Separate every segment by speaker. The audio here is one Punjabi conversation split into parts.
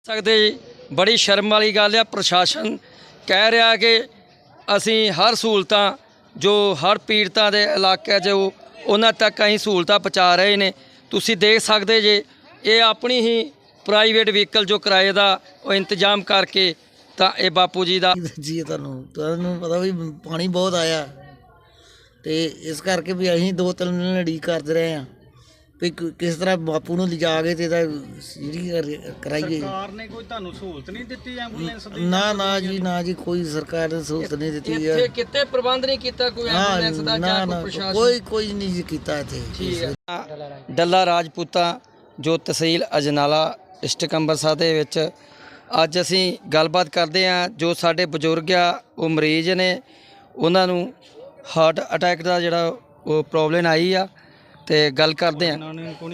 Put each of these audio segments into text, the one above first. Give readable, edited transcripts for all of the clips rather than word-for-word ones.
Speaker 1: ਸਕਦੇ ਜੀ ਬੜੀ ਸ਼ਰਮ ਵਾਲੀ ਗੱਲ ਆ। ਪ੍ਰਸ਼ਾਸਨ ਕਹਿ ਰਿਹਾ ਕਿ ਅਸੀਂ ਹਰ ਸਹੂਲਤਾਂ ਜੋ ਹਰ ਪੀੜਤਾਂ ਦੇ ਇਲਾਕੇ 'ਚ ਉਹਨਾਂ ਤੱਕ ਅਸੀਂ ਸਹੂਲਤਾਂ ਪਹੁੰਚਾ ਰਹੇ ਨੇ। ਤੁਸੀਂ ਦੇਖ ਸਕਦੇ ਜੇ ਇਹ ਆਪਣੀ ਹੀ ਪ੍ਰਾਈਵੇਟ ਵਹੀਕਲ ਜੋ ਕਿਰਾਏ ਦਾ ਉਹ ਇੰਤਜ਼ਾਮ ਕਰਕੇ ਤਾਂ ਇਹ ਬਾਪੂ ਜੀ ਦਾ
Speaker 2: ਜੀ ਤੁਹਾਨੂੰ ਪਤਾ ਵੀ ਪਾਣੀ ਬਹੁਤ ਆਇਆ ਤੇ ਇਸ ਕਰਕੇ ਵੀ ਅਸੀਂ 2-3 ਦਿਨ ਉਡੀਕ ਕਰਦੇ ਰਹੇ ਹਾਂ ਵੀ ਕਿਸ ਤਰ੍ਹਾਂ ਬਾਪੂ ਨੂੰ ਲਿਜਾ ਕੇ ਤੇ ਇਹਦਾ ਜਿਹੜੀ ਕਰਾਈਏ।
Speaker 3: ਸਰਕਾਰ ਨੇ ਕੋਈ ਤੁਹਾਨੂੰ ਸਹੂਲਤ ਨਹੀਂ ਦਿੱਤੀ ਐਂਬੂਲੈਂਸ ਦੀ?
Speaker 2: ਨਾ ਜੀ ਕੋਈ ਸਰਕਾਰ ਨੇ ਸਹੂਲਤ ਨਹੀਂ ਦਿੱਤੀ ਹੈ।
Speaker 1: ਇੱਥੇ ਕਿਤੇ ਪ੍ਰਬੰਧ ਨਹੀਂ ਕੀਤਾ ਕੋਈ ਐਂਬੂਲੈਂਸ ਦਾ ਜਾਂ ਕੋਈ ਪ੍ਰਸ਼ਾਸਨ?
Speaker 2: ਕੋਈ ਨਹੀਂ ਜੀ ਕੀਤਾ ਇੱਥੇ।
Speaker 1: ਠੀਕ ਹੈ। ਡੱਲਾ ਰਾਜਪੂਤਾ ਜੋ ਤਹਿਸੀਲ ਅਜਨਾਲਾ ਡਿਸਟ੍ਰਿਕਟ ਅੰਮ੍ਰਿਤਸਰ ਦੇ ਵਿੱਚ ਅੱਜ ਅਸੀਂ ਗੱਲਬਾਤ ਕਰਦੇ ਹਾਂ। ਜੋ ਸਾਡੇ ਬਜ਼ੁਰਗ ਆ ਉਹ ਮਰੀਜ਼ ਨੇ, ਉਹਨਾਂ ਨੂੰ ਹਾਰਟ ਅਟੈਕ ਦਾ ਜਿਹੜਾ ਉਹ ਪ੍ਰੋਬਲਮ ਆਈ ਆ ਤੇ ਗੱਲ ਕਰਦੇ ਹਾਂ।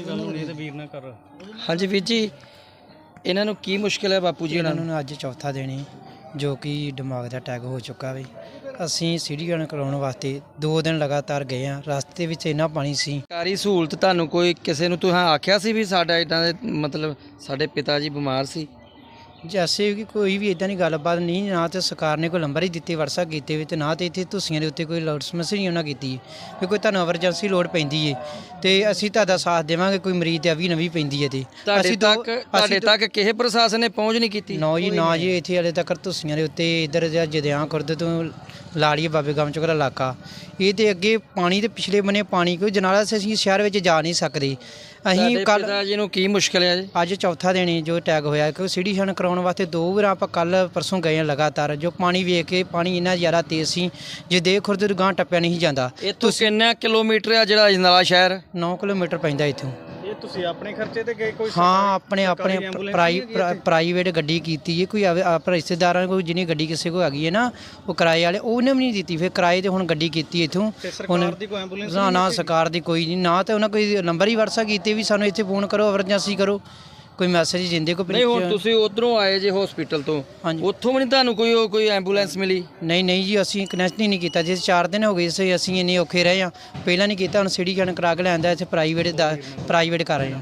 Speaker 1: ਹਾਂਜੀ ਵੀਰ ਜੀ, ਇਹਨਾਂ ਨੂੰ ਕੀ ਮੁਸ਼ਕਿਲ ਹੈ ਬਾਪੂ ਜੀ?
Speaker 4: ਇਹਨਾਂ ਨੂੰ ਅੱਜ ਚੌਥਾ ਦਿਨ ਜੋ ਕਿ ਦਿਮਾਗ ਦਾ ਅਟੈਕ ਹੋ ਚੁੱਕਾ ਵੇ। ਅਸੀਂ ਸੀਡੀਆਂ ਕਰਾਉਣ ਵਾਸਤੇ 2 ਦਿਨ ਲਗਾਤਾਰ ਗਏ ਹਾਂ। ਰਸਤੇ ਵਿੱਚ ਇੰਨਾ ਪਾਣੀ ਸੀ।
Speaker 1: ਸਰਕਾਰੀ ਸਹੂਲਤ ਤੁਹਾਨੂੰ ਕੋਈ ਕਿਸੇ ਨੂੰ ਤੁਸੀਂ ਆਖਿਆ ਸੀ ਵੀ ਸਾਡਾ ਇੱਦਾਂ ਦੇ ਮਤਲਬ ਸਾਡੇ ਪਿਤਾ ਜੀ ਬਿਮਾਰ ਸੀ?
Speaker 4: ਜੈਸੇ ਕਿ ਕੋਈ ਵੀ ਇਦਾਂ ਦੀ ਗੱਲਬਾਤ ਨਹੀਂ, ਨਾ ਤੇ ਸਰਕਾਰ ਨੇ ਕੋਈ ਨੰਬਰ ਹੀ ਦਿੱਤੇ WhatsApp ਕੀਤੇ ਵੀ, ਤੇ ਨਾ ਤੇ ਇੱਥੇ ਤੁਸੀਆਂ ਦੇ ਉੱਤੇ ਕੋਈ ਲੋੜ ਸਮੱਸਿਆ ਨਹੀਂ ਉਹਨਾਂ ਕੀਤੀ ਵੀ ਕੋਈ ਤੁਹਾਨੂੰ ਐਮਰਜੈਂਸੀ ਲੋੜ ਪੈਂਦੀ ਏ ਤੇ ਅਸੀਂ ਤੁਹਾਡਾ ਸਾਥ ਦੇਵਾਂਗੇ। ਕੋਈ ਮਰੀਜ਼ ਤੇ ਅਵੀ ਨਵੀਂ ਪੈਂਦੀ ਹੈ ਤੇ
Speaker 1: ਤੁਹਾਡੇ ਤੱਕ ਕਿਸੇ ਪ੍ਰਸ਼ਾਸਨ ਨੇ ਪਹੁੰਚ ਨਹੀਂ ਕੀਤੀ?
Speaker 4: ਨਾ ਜੀ ਇੱਥੇ ਹਾਲੇ ਤੱਕ ਤੁਸੀਆਂ ਦੇ ਉੱਤੇ ਇੱਧਰ ਜਦਿਆਂ ਖੁਰਦ ਤੋਂ ਲਾੜੀਏ ਬਾਬੇ ਗਾਮ ਚੋਂ ਇਲਾਕਾ ਇਹ ਤੇ ਅੱਗੇ ਪਾਣੀ ਤੇ ਪਿਛਲੇ ਬੰਨੇ ਪਾਣੀ ਕੋਈ ਜਨਾਲਾ ਅਸੀਂ ਸ਼ਹਿਰ ਵਿੱਚ ਜਾ ਨਹੀਂ ਸਕਦੇ। ਅਸੀਂ ਕੱਲ
Speaker 1: ਜੀ ਨੂੰ ਕੀ ਮੁਸ਼ਕਿਲ ਹੈ ਜੀ?
Speaker 4: ਅੱਜ ਚੌਥਾ ਦਿਨ ਜੋ ਅਟੈਕ ਹੋਇਆ ਕਿਉਂਕਿ ਸੀਡੀ ਸ਼ਨ ਕਰਾਉਣ ਵਾਸਤੇ 2 ਵਾਰ ਆਪਾਂ ਕੱਲ ਪਰਸੋਂ ਗਏ ਹਾਂ ਲਗਾਤਾਰ। ਜੋ ਪਾਣੀ ਵੇਖ ਕੇ ਪਾਣੀ ਇੰਨਾ ਜ਼ਿਆਦਾ ਤੇਜ਼ ਸੀ ਜੇ ਦੇ ਖੁਰਦ ਗਾਂ ਟੱਪਿਆ ਨਹੀਂ ਜਾਂਦਾ।
Speaker 1: ਇੱਥੋਂ ਕਿੰਨਾ ਕਿਲੋਮੀਟਰ ਆ ਜਿਹੜਾ ਅਜਨਾਲਾ ਸ਼ਹਿਰ?
Speaker 4: 9 ਕਿਲੋਮੀਟਰ ਪੈਂਦਾ ਇੱਥੋਂ।
Speaker 3: ਇਹ ਤੁਸੀਂ ਆਪਣੇ ਖਰਚੇ ਤੇ ਗਏ? ਕੋਈ
Speaker 4: ਹਾਂ ਆਪਣੇ ਪ੍ਰਾਈਵੇਟ ਗੱਡੀ ਕੀਤੀ ਹੈ। ਕੋਈ ਆਪਣੇ ਰਿਸ਼ਤੇਦਾਰਾਂ ਕੋਈ ਜਿਹਨੇ ਗੱਡੀ ਕਿਸੇ ਕੋਲ ਹੈਗੀ ਹੈ ਨਾ ਉਹ ਕਿਰਾਏ ਵਾਲੇ, ਉਹਨੇ ਵੀ ਨਹੀਂ ਦਿੱਤੀ। ਫਿਰ ਕਿਰਾਏ ਤੇ ਹੁਣ ਗੱਡੀ ਕੀਤੀ ਇੱਥੋਂ।
Speaker 3: ਸਰਕਾਰ ਦੀ ਕੋਈ ਐਂਬੂਲੈਂਸ?
Speaker 4: ਨਾ ਸਰਕਾਰ ਦੀ ਕੋਈ ਨਹੀਂ, ਨਾ ਤੇ ਉਹਨਾਂ ਕੋਈ ਨੰਬਰ ਹੀ WhatsApp ਕੀਤੇ ਵੀ ਸਾਨੂੰ ਇੱਥੇ ਫੋਨ ਕਰੋ, ਐਮਰਜੈਂਸੀ ਕਰੋ, ਕੋਈ ਮੈਸੇਜ ਦਿੰਦੇ ਕੋਈ
Speaker 1: ਨਹੀਂ। ਹੁਣ ਤੁਸੀਂ ਉਧਰੋਂ ਆਏ ਜੇ ਹਸਪੀਟਲ ਤੋਂ, ਉੱਥੋਂ ਵੀ ਨਹੀਂ ਤੁਹਾਨੂੰ ਕੋਈ ਐਂਬੂਲੈਂਸ ਮਿਲੀ?
Speaker 4: ਨਹੀਂ ਜੀ, ਅਸੀਂ ਕਨੈਕਟ ਹੀ ਨਹੀਂ ਕੀਤਾ। ਜੇ 4 ਦਿਨ ਹੋ ਗਏ ਸੀ ਅਸੀਂ ਇੰਨੇ ਔਖੇ ਰਹੇ ਹਾਂ, ਪਹਿਲਾਂ ਨਹੀਂ ਕੀਤਾ। ਹੁਣ ਸਿਟੀ ਜਨ ਕਰਾ ਕੇ ਲੈਂਦਾ ਇੱਥੇ ਪ੍ਰਾਈਵੇਟ ਕਰ ਰਹੇ ਹਾਂ।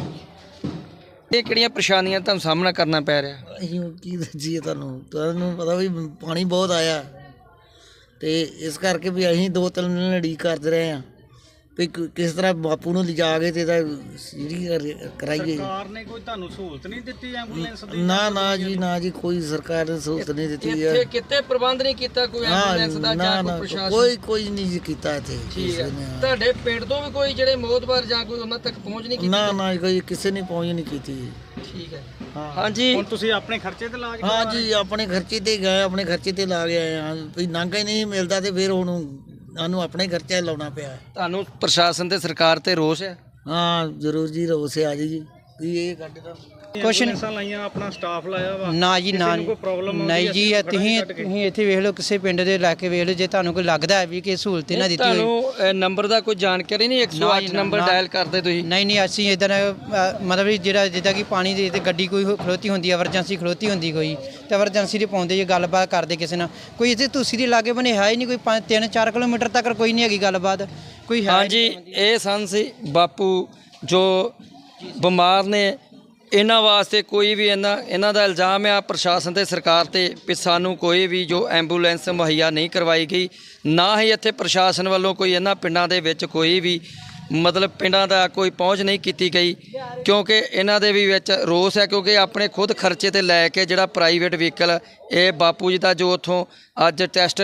Speaker 1: ਇਹ ਕਿਹੜੀਆਂ ਪਰੇਸ਼ਾਨੀਆਂ ਤੁਹਾਨੂੰ ਸਾਹਮਣਾ ਕਰਨਾ ਪੈ ਰਿਹਾ?
Speaker 2: ਅਸੀਂ ਕੀ ਦੱਸੀਏ ਤੁਹਾਨੂੰ ਪਤਾ ਵੀ ਪਾਣੀ ਬਹੁਤ ਆਇਆ ਤੇ ਇਸ ਕਰਕੇ ਵੀ ਅਸੀਂ 2-3 ਦਿਨ ਉਡੀਕ ਕਰਦੇ ਰਹੇ ਹਾਂ ਵੀ ਕਿਸ ਤਰ੍ਹਾਂ ਬਾਪੂ ਨੂੰ ਲਿਜਾ ਕੇ ਤੇ ਇਹਦਾ ਜਿਹੜੀ ਕਰਾਈਏ।
Speaker 3: ਸਰਕਾਰ ਨੇ ਕੋਈ ਤੁਹਾਨੂੰ ਸਹੂਲਤ ਨਹੀਂ ਦਿੱਤੀ ਐਂਬੂਲੈਂਸ ਦੀ?
Speaker 2: ਨਾ ਜੀ ਕੋਈ ਸਰਕਾਰ ਨੇ ਸਹੂਲਤ ਨਹੀਂ ਦਿੱਤੀ ਹੈ।
Speaker 1: ਇੱਥੇ ਕਿਤੇ ਪ੍ਰਬੰਧ ਨਹੀਂ ਕੀਤਾ ਕੋਈ ਐਂਬੂਲੈਂਸ ਦਾ ਜਾਂ ਕੋਈ ਪ੍ਰਸ਼ਾਸਨ?
Speaker 2: ਕੋਈ ਨਹੀਂ ਜੀ ਕੀਤਾ ਇੱਥੇ।
Speaker 1: ਠੀਕ ਹੈ। ਤੁਹਾਡੇ ਪਿੰਡ ਤੋਂ ਵੀ ਕੋਈ ਜਿਹੜੇ ਮੋਹਤਬਾਰ ਜਾਂ ਕੋਈ ਉਹਨਾਂ ਤੱਕ ਪਹੁੰਚ ਨਹੀਂ ਕੀਤੀ?
Speaker 2: ਨਾ ਕੋਈ ਕਿਸੇ ਨੇ ਪਹੁੰਚ ਨਹੀਂ ਕੀਤੀ।
Speaker 1: ਠੀਕ ਹੈ। ਹਾਂਜੀ,
Speaker 3: ਹੁਣ ਤੁਸੀਂ ਆਪਣੇ ਖਰਚੇ ਤੇ ਇਲਾਜ?
Speaker 2: ਹਾਂ ਜੀ, ਆਪਣੇ ਖਰਚੇ ਤੇ ਗਏ, ਆਪਣੇ ਖਰਚੇ ਤੇ ਲਾ ਕੇ ਆਏ ਹਾਂ। ਵੀ ਨਾਂਗਾ ਹੀ ਨਹੀਂ ਮਿਲਦਾ ਤੇ ਫਿਰ ਹੁਣ ਸਾਨੂੰ ਆਪਣੇ ਖਰਚਾ ਲਾਉਣਾ ਪਿਆ।
Speaker 1: ਤੁਹਾਨੂੰ ਪ੍ਰਸ਼ਾਸਨ ਤੇ ਸਰਕਾਰ ਤੇ ਰੋਸ ਹੈ?
Speaker 2: ਹਾਂ ਜ਼ਰੂਰ ਜੀ, ਰੋਸ ਆ ਜੀ ਵੀ ਇਹ ਗੱਡ ਦਾ
Speaker 4: ਕੁਛ ਨਹੀਂ
Speaker 3: ਲਾਈਆਂ, ਆਪਣਾ ਸਟਾਫ ਲਾਇਆ ਵਾ।
Speaker 4: ਨਾ ਜੀ ਨਾ ਨਹੀਂ ਜੀ, ਤੁਸੀਂ ਇੱਥੇ ਵੇਖ ਲਓ, ਕਿਸੇ ਪਿੰਡ ਦੇ ਇਲਾਕੇ ਵੇਖ ਲਓ, ਜੇ ਤੁਹਾਨੂੰ ਕੋਈ ਲੱਗਦਾ ਹੈ ਵੀ ਕਿ ਸਹੂਲਤ ਇਹਨਾਂ ਦਿੱਤੀ ਹੋਈ।
Speaker 1: ਤੁਹਾਨੂੰ ਨੰਬਰ ਦਾ ਕੋਈ ਜਾਣਕਾਰੀ ਨਹੀਂ? 108 ਨੰਬਰ ਡਾਇਲ ਕਰਦੇ ਤੁਸੀਂ?
Speaker 4: ਨਹੀਂ ਅਸੀਂ ਇੱਧਰ ਮਤਲਬ ਜਿਹੜਾ ਜਿੱਦਾਂ ਕਿ ਪਾਣੀ ਦੇ ਤੇ ਗੱਡੀ ਕੋਈ ਖਲੋਤੀ ਹੁੰਦੀ, ਐਮਰਜੈਂਸੀ ਖਲੋਤੀ ਹੁੰਦੀ ਕੋਈ, ਤੇ ਐਮਰਜੈਂਸੀ ਦੇ ਪਾਉਂਦੇ ਜੇ ਗੱਲਬਾਤ ਕਰਦੇ ਕਿਸੇ ਨਾਲ। ਕੋਈ ਇੱਥੇ ਤੁਸੀਂ ਦੇ ਲਾਗੇ ਬਣੇ ਹੈ ਹੀ ਨਹੀਂ, ਕੋਈ 3-4 ਕਿਲੋਮੀਟਰ ਤੱਕ ਕੋਈ ਨਹੀਂ ਹੈਗੀ ਗੱਲਬਾਤ ਕੋਈ ਹੈ।
Speaker 1: ਹਾਂਜੀ, ਇਹ ਸਨ ਸੀ ਬਾਪੂ ਜੋ ਬਿਮਾਰ ਨੇ। ਇਹਨਾਂ ਵਾਸਤੇ ਕੋਈ ਵੀ ਇਹਨਾਂ ਦਾ ਇਲਜ਼ਾਮ ਆ ਪ੍ਰਸ਼ਾਸਨ ਤੇ ਸਰਕਾਰ ਤੇ ਵੀ ਸਾਨੂੰ ਕੋਈ ਵੀ ਜੋ ਐਂਬੂਲੈਂਸ ਮੁਹੱਈਆ ਨਹੀਂ ਕਰਵਾਈ ਗਈ। ਨਾ ਹੀ ਇੱਥੇ ਪ੍ਰਸ਼ਾਸਨ ਵੱਲੋਂ ਕੋਈ ਇਹਨਾਂ ਪਿੰਡਾਂ ਦੇ ਵਿੱਚ ਕੋਈ ਵੀ ਮਤਲਬ ਪਿੰਡਾਂ ਦਾ ਕੋਈ ਪਹੁੰਚ ਨਹੀਂ ਕੀਤੀ ਗਈ, ਕਿਉਂਕਿ ਇਹਨਾਂ ਦੇ ਵੀ ਵਿੱਚ ਰੋਸ ਹੈ। ਕਿਉਂਕਿ ਆਪਣੇ ਖੁਦ ਖਰਚੇ ਤੇ ਲੈ ਕੇ ਜਿਹੜਾ ਪ੍ਰਾਈਵੇਟ ਵਹੀਕਲ ਇਹ ਬਾਪੂ ਜੀ ਦਾ ਜੋ ਉੱਥੋਂ ਅੱਜ ਟੈਸਟ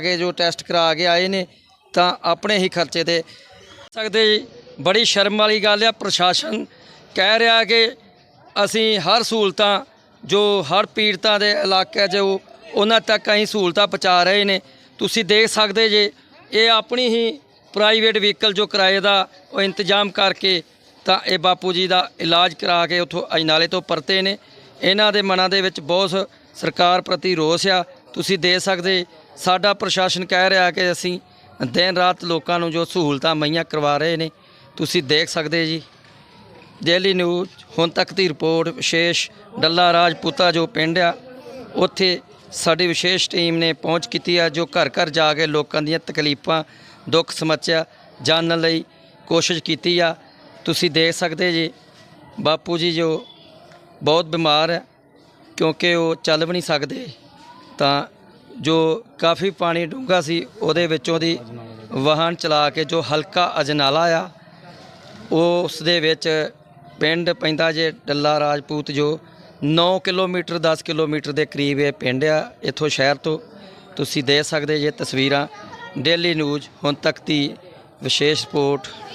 Speaker 1: ਕਰਾ ਕੇ ਆਏ ਨੇ ਤਾਂ ਆਪਣੇ ਹੀ ਖਰਚੇ ਤੇ ਸਕਦੇ ਜੀ ਬੜੀ ਸ਼ਰਮ ਵਾਲੀ ਗੱਲ ਆ। ਪ੍ਰਸ਼ਾਸਨ ਕਹਿ ਰਿਹਾ ਕਿ ਅਸੀਂ ਹਰ ਸਹੂਲਤਾਂ ਜੋ ਹਰ ਪੀੜਤਾਂ ਦੇ ਇਲਾਕੇ 'ਚ ਉਹਨਾਂ ਤੱਕ ਅਸੀਂ ਸਹੂਲਤਾਂ ਪਹੁੰਚਾ ਰਹੇ ਨੇ। ਤੁਸੀਂ ਦੇਖ ਸਕਦੇ ਜੇ ਇਹ ਆਪਣੀ ਹੀ ਪ੍ਰਾਈਵੇਟ ਵਹੀਕਲ ਜੋ ਕਿਰਾਏ ਦਾ ਉਹ ਇੰਤਜ਼ਾਮ ਕਰਕੇ ਤਾਂ ਇਹ ਬਾਪੂ ਜੀ ਦਾ ਇਲਾਜ ਕਰਾ ਕੇ ਉੱਥੋਂ ਅਜਨਾਲੇ ਤੋਂ ਪਰਤੇ ਨੇ। ਇਹਨਾਂ ਦੇ ਮਨਾਂ ਦੇ ਵਿੱਚ ਬਹੁਤ ਸਰਕਾਰ ਪ੍ਰਤੀ ਰੋਸ ਆ। ਤੁਸੀਂ ਦੇਖ ਸਕਦੇ ਸਾਡਾ ਪ੍ਰਸ਼ਾਸਨ ਕਹਿ ਰਿਹਾ ਕਿ ਅਸੀਂ ਦਿਨ ਰਾਤ ਲੋਕਾਂ ਨੂੰ ਜੋ ਸਹੂਲਤਾਂ ਮੁਹੱਈਆ ਕਰਵਾ ਰਹੇ ਨੇ। ਤੁਸੀਂ ਦੇਖ ਸਕਦੇ ਜੀ। ਡੇਲੀ ਨਿਊਜ਼ ਹੁਣ ਤੱਕ ਦੀ ਰਿਪੋਰਟ। ਵਿਸ਼ੇਸ਼ ਡੱਲਾ ਰਾਜਪੂਤਾ ਜੋ ਪਿੰਡ ਆ ਉੱਥੇ ਸਾਡੀ ਵਿਸ਼ੇਸ਼ ਟੀਮ ਨੇ ਪਹੁੰਚ ਕੀਤੀ ਆ, ਜੋ ਘਰ ਘਰ ਜਾ ਕੇ ਲੋਕਾਂ ਦੀਆਂ ਤਕਲੀਫਾਂ ਦੁੱਖ ਸਮੱਸਿਆ ਜਾਣਨ ਲਈ ਕੋਸ਼ਿਸ਼ ਕੀਤੀ ਆ। ਤੁਸੀਂ ਦੇਖ ਸਕਦੇ ਜੀ ਬਾਪੂ ਜੀ ਜੋ ਬਹੁਤ ਬਿਮਾਰ ਹੈ। ਕਿਉਂਕਿ ਉਹ ਚੱਲ ਵੀ ਨਹੀਂ ਸਕਦੇ, ਤਾਂ ਜੋ ਕਾਫੀ ਪਾਣੀ ਡੂੰਘਾ ਸੀ ਉਹਦੇ ਵਿੱਚੋਂ ਦੀ ਵਾਹਨ ਚਲਾ ਕੇ ਜੋ ਹਲਕਾ ਅਜਨਾਲਾ ਆ ਉਸ ਦੇ ਵਿੱਚ ਪਿੰਡ ਪੈਂਦਾ ਜੇ ਟੱਲਾ ਰਾਜਪੂਤ, ਜੋ 9 ਕਿਲੋਮੀਟਰ 10 ਕਿਲੋਮੀਟਰ ਦੇ ਕਰੀਬ ਇਹ ਪਿੰਡ ਆ ਇੱਥੋਂ ਸ਼ਹਿਰ ਤੋਂ। ਤੁਸੀਂ ਦੇਖ ਸਕਦੇ ਜੇ ਤਸਵੀਰਾਂ। ਡੇਲੀ ਨਿਊਜ਼ ਹੁਣ ਤੱਕ ਦੀ ਵਿਸ਼ੇਸ਼ ਰਿਪੋਰਟ।